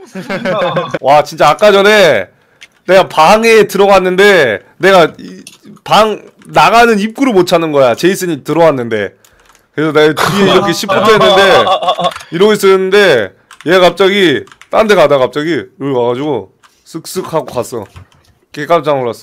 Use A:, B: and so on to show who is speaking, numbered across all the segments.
A: 와 진짜 아까 전에 내가 방에 들어갔는데 내가 방 나가는 입구를 못 찾는 거야. 제이슨이 들어왔는데 그래서 내가 뒤에 이렇게 시프트 했는데 이러고 있었는데 얘가 갑자기 딴 데 가다가 갑자기 여기 와가지고 쓱쓱 하고 갔어. 개 깜짝 놀랐어.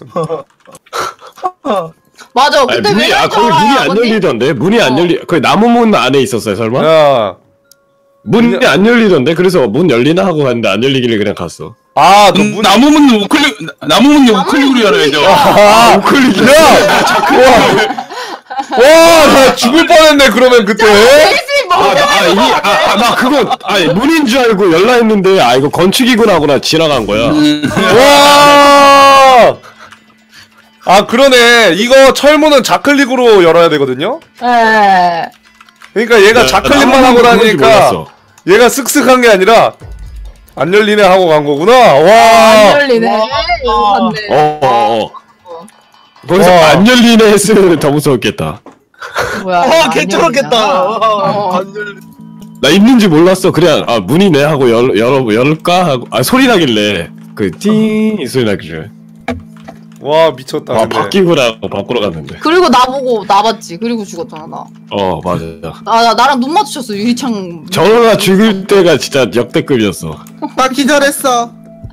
B: 맞아. 근데
C: 문이,
B: 왜
C: 거기 문이 안 열리던데? 문이 안 열리, 거기 나무 문 안에 있었어요, 설마?
A: 야,
C: 문이 안 열리던데? 그래서 문 열리나 하고 갔는데 안 열리길래 그냥 갔어.
A: 아, 너 문,
D: 나무문 우클릭 나무문 우클릭으로 열어야죠.
A: 아, 우클릭. 야, 와, 나 죽을 뻔했네. 그러면 그때.
C: 나 그거, 문인 줄 알고 열라 했는데, 이거 건축이구나 하고 나 지나간 거야.
A: 와. 아, 그러네. 이거 철문은 좌클릭으로 열어야 되거든요.
B: 네.
A: 그러니까 얘가 좌클릭만 하고 다니니까 얘가 쓱쓱한 게 아니라 안 열리네 하고 간 거구나. 와.
B: 안 열리네. 맞네.
C: 거기서 안 열리네 했으면 더 무서웠겠다.
B: 뭐야?
E: 개쩔었겠다.
C: 나 있는지 몰랐어. 그냥 문이네 하고 열까 하고 소리 나길래 띵 이 소리 나길래
A: 와 미쳤다.
C: 바뀌구나 하고 바꾸러 갔는데.
B: 그리고 나보고 나봤지. 그리고 죽었잖아 나.
C: 맞아.
B: 나랑 눈 마주쳤어 유리창.
C: 저러다 죽을 때가 진짜 역대급이었어.
E: 나 기절했어.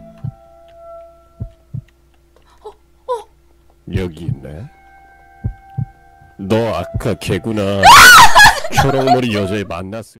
C: 여기 있네. 너 아까 개구나. 초록머리 여자애 만났을